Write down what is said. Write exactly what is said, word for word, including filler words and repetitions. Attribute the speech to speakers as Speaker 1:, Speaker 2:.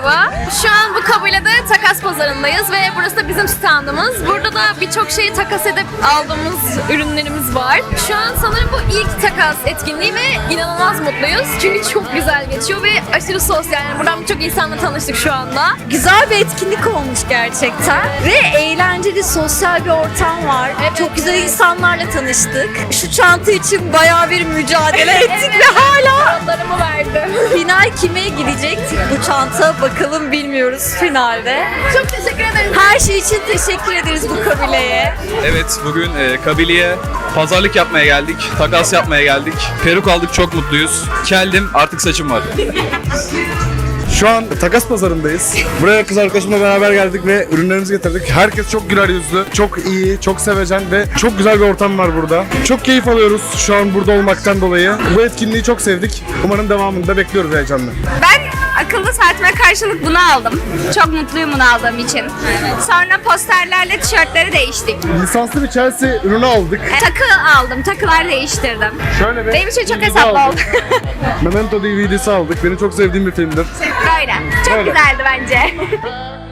Speaker 1: merhaba. Şu an bu kabilede takas pazarındayız ve burası da bizim standımız. Burada da birçok şeyi takas edip aldığımız ürünlerimiz var. Şu an sanırım bu ilk takas etkinliği ve inanılmaz mutluyuz. Çünkü çok güzel geçiyor ve aşırı sosyal. Yani buradan birçok insanla tanıştık şu anda.
Speaker 2: Güzel bir etkinlik olmuş gerçekten ve eğlenceli, sosyal bir ortam var.
Speaker 1: Evet.
Speaker 2: Çok güzel insanlarla tanıştık. Şu çanta için bayağı bir mücadele ettik ve hala
Speaker 1: Adlarımı verdim.
Speaker 2: final kime gidecek bu çanta bakalım bilmiyoruz finalde.
Speaker 1: Çok teşekkür ederim.
Speaker 2: Her şey için teşekkür ederiz bu kabileye.
Speaker 3: Evet, bugün e, Kabili'ye pazarlık yapmaya geldik, takas yapmaya geldik. Peruk aldık, çok mutluyuz. Keldim, artık saçım var.
Speaker 4: Şu an takas pazarındayız. Buraya kız arkadaşımla beraber geldik ve ürünlerimizi getirdik. Herkes çok güler yüzlü, çok iyi, çok sevecen ve çok güzel bir ortam var burada. Çok keyif alıyoruz şu an burada olmaktan dolayı. Bu etkinliği çok sevdik. Umarım devamını da bekliyoruz heyecanla.
Speaker 5: Ben akıllı saatime karşılık bunu aldım. Çok mutluyum bunu aldığım için. Sonra posterlerle tişörtleri değiştik.
Speaker 4: Lisanslı bir Chelsea ürünü aldık.
Speaker 5: Takı aldım, takılar değiştirdim.
Speaker 4: Şöyle bir
Speaker 5: Benim için çok
Speaker 4: D V D
Speaker 5: hesaplı
Speaker 4: aldık.
Speaker 5: oldu.
Speaker 4: Memento D V D'si aldık. Benim çok sevdiğim bir filmdir.
Speaker 5: Böyle. Çok
Speaker 4: Böyle.
Speaker 5: güzeldi bence.